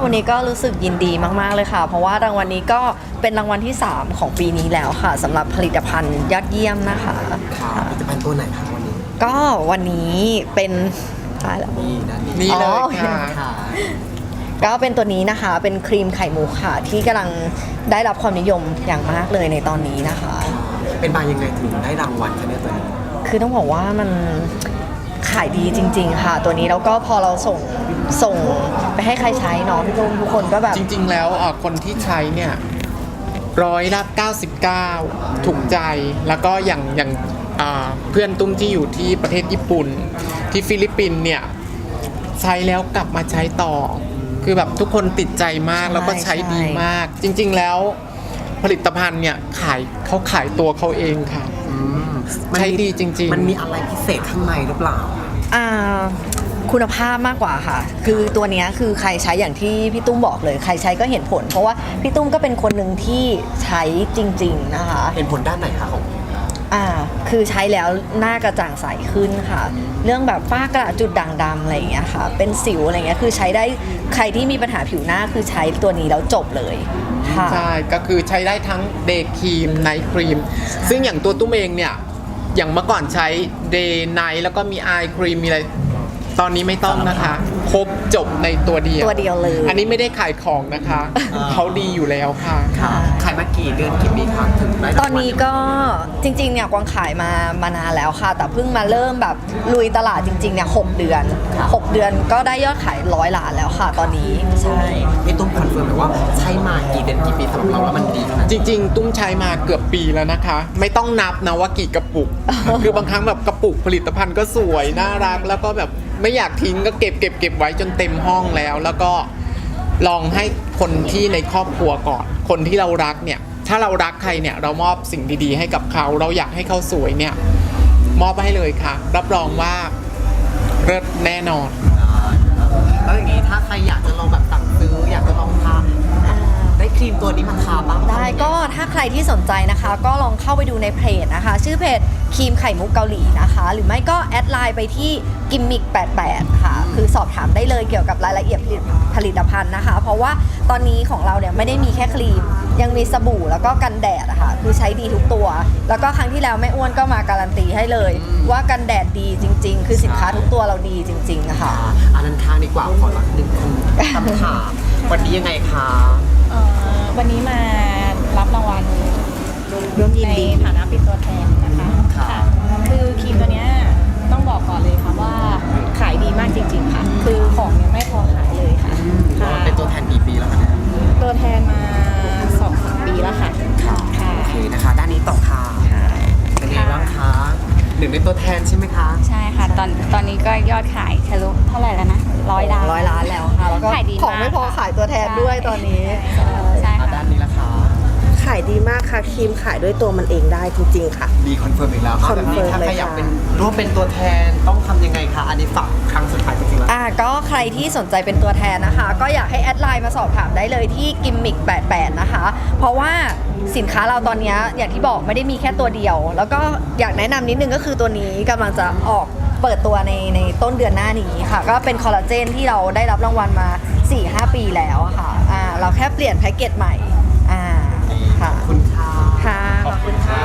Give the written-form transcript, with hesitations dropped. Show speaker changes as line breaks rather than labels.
วันนี้ก็รู้สึกยินดีมากๆเลยค่ะเพราะว่ารางวัลนี้ก็เป็นรางวัลที่3ของปีนี้แล้วค่ะสำหรับผลิตภัณฑ์ยอดเยี่ยมนะคะ
ผลิตภัณฑ์ตัวไหนคะวันนี้
ก็วันนี้เป็นแล้ว
นี่นะ
นี่เลยค่ะ
ก็เป็นตัวนี้นะคะเป็นครีมไข่มุกค่ะที่กำลังได้รับความนิยมอย่างมากเลยในตอนนี้นะคะ
เป็นมายังไงถึงได้รางวัลคะเนี่ยตัวนี้
คือต้องบอกว่ามันขายดีจริงๆค่ะตัวนี้แล้วก็พอเราส่งไปให้ใครใช้เนาะพี่ตุ้มทุกคนก็แบบ
จริงๆแล้วคนที่ใช้เนี่ย99%ถูกใจแล้วก็อย่างเพื่อนตุ้มที่อยู่ที่ประเทศญี่ปุ่นที่ฟิลิปปินส์เนี่ยใช้แล้วกลับมาใช้ต่อคือแบบทุกคนติดใจมากแล้วก็ใช้ดีมากจริงๆแล้วผลิตภัณฑ์เนี่ยเขาขายตัวเขาเองค่ะใช้ดีจริงๆ
มันมีอะไรพิเศษข้างในหรือเปล่า
คุณภาพมากกว่าค่ะคือตัวนี้คือใครใช้อย่างที่พี่ตุ้มบอกเลยใครใช้ก็เห็นผลเพราะว่าพี่ตุ้มก็เป็นคนหนึ่งที่ใช้จริงๆนะคะ
เห็นผลด้านไหนคะของ
คือใช้แล้วหน้ากระจ่างใสขึ้นค่ะเรื่องแบบฝ้ากระจุดด่างดำอะไรอย่างเงี้ยค่ะเป็นสิวอะไรเงี้ยคือใช้ได้ใครที่มีปัญหาผิวหน้าคือใช้ตัวนี้แล้วจบเลยค่ะ
ใช่ก็คือใช้ได้ทั้งเดย์ครีมไนท์ครีมซึ่งอย่างตัวตุ้มเองเนี่ยอย่างเมื่อก่อนใช้เดย์ไนท์แล้วก็มีไอครีมมีอะไรตอนนี้ไม่ต้องนะคะครบจบในตัวเดียว
เลย
อันนี้ไม่ได้ขายของนะคะเขาดีอยู่แล้วค่ะ
ขายมากี่เดือนกี่ปีครับถึงได้
ตอนนี้ก็จริงๆเนี่ยกวางขายมานานแล้วค่ะแต่เพิ่งมาเริ่มแบบลุยตลาดจริงๆเนี่ย6 เดือนก็ได้ยอดขาย100 ล้านแล้วค่ะตอนนี้ใช่
พี่ตุ้มคอนเฟิร์มไหมว่าใช้มากี่เดือนกี่ปีสำหรับเราแล้วมันดี
จริงๆตุ้มใช้มาเกือบปีแล้วนะคะไม่ต้องนับนะว่ากี่กระปุก คือบางครั้งแบบกระปุกผลิตภัณฑ์ก็สวยน่ารักแล้วก็แบบไม่อยากทิ้งก็เก็บไว้จนเต็มห้องแล้วก็ลองให้คนที่ในครอบครัวก่อนคนที่เรารักเนี่ยถ้าเรารักใครเนี่ยเรามอบสิ่งดีๆให้กับเขาเราอยากให้เขาสวยเนี่ยมอบให้เลยค่ะรับรองว่าเลิศแน่นอน
แล้วอย่างนี้ถ้าใครอยากจะลองแบบสั่งซื้ออยากจะลองทาได้ครีมตัวนี้มาทาบ้าง
ได้ก็ถ้าใครที่สนใจนะคะก็ลองเข้าไปดูในเพจนะคะชื่อเพจครีมไข่มุกเกาหลีนะคะหรือไม่ก็แอดไลน์ไปที่กิมมิก88ค่ะคือสอบถามได้เลยเกี่ยวกับรายละเอียดผลิตภัณฑ์นะคะเพราะว่าตอนนี้ของเราเนี่ยไม่ได้มีแค่ครีมยังมีสบู่แล้วก็กันแดดค่ะคือใช้ดีทุกตัวแล้วก็ครั้งที่แล้วแม่อ้วนก็มาการันตีให้เลยว่ากันแดดดีจริงๆคือสินค้าทุกตัวเราดีจริงๆค่ะ
อันนั้นทางดีกว่าขอรับ1คำถามวันนี้ยังไงคะ
วันนี้มารับรางวัลในฐานะเป็นตัวแทนนะคะค่ะคือครีมตัวนี้ต้องบอกก่อนเลยค่ะว่าขายดีมากจริงๆค่ะคือของยังไม่พอขายเลยค่ะ
เป็นตัวแทนกี่ปีแล้วคะเนี่ย
ตัวแทนมา 2-3 ปีแล้วค่ะ
ค่ะโอเคนะคะด้านนี้ต่อค่ะเป็นไงบ้างคะ1ในตัวแทนใช่ไหมคะ
ใช่ค่ะตอนนี้ก็ยอดขายทะลุเท่าไหร่แล้วนะ100 ล้าน
แล้วค่ะแล้วก็ของไม่พอขายตัวแทนด้วยตอนนี้
ใช่ค่ะ
ด้านนี้ละคะ
ขายดีมากค่ะครีมขายด้วยตัวมันเองได้จริงๆค่ะ
ดีคอนเฟิร์มอีกแล้วค่ะแบบนี้ถ้าใครอยากเป็นร่วมเป็นตัวแทนต้องทำยังไงคะอันนี้ฝากครั้งสุดท้ายจริงๆแล้ว
ก็ใครที่สนใจเป็นตัวแทนนะคะก็อยากให้แอดไลน์มาสอบถามได้เลยที่กิมมิก88นะคะเพราะว่าสินค้าเราตอนนี้อย่างที่บอกไม่ได้มีแค่ตัวเดียวแล้วก็อยากแนะนำนิดนึงก็คือตัวนี้กำลังจะออกเปิดตัวในต้นเดือนหน้านี้ค่ะก็เป็นคอลลาเจนที่เราได้รับรางวัลมา 4-5 ปีแล้วค่ะเราแค่เปลี่ยนแพ็กเกจใหม่
ขอบคุณค่ะ
ขอบคุณค่ะ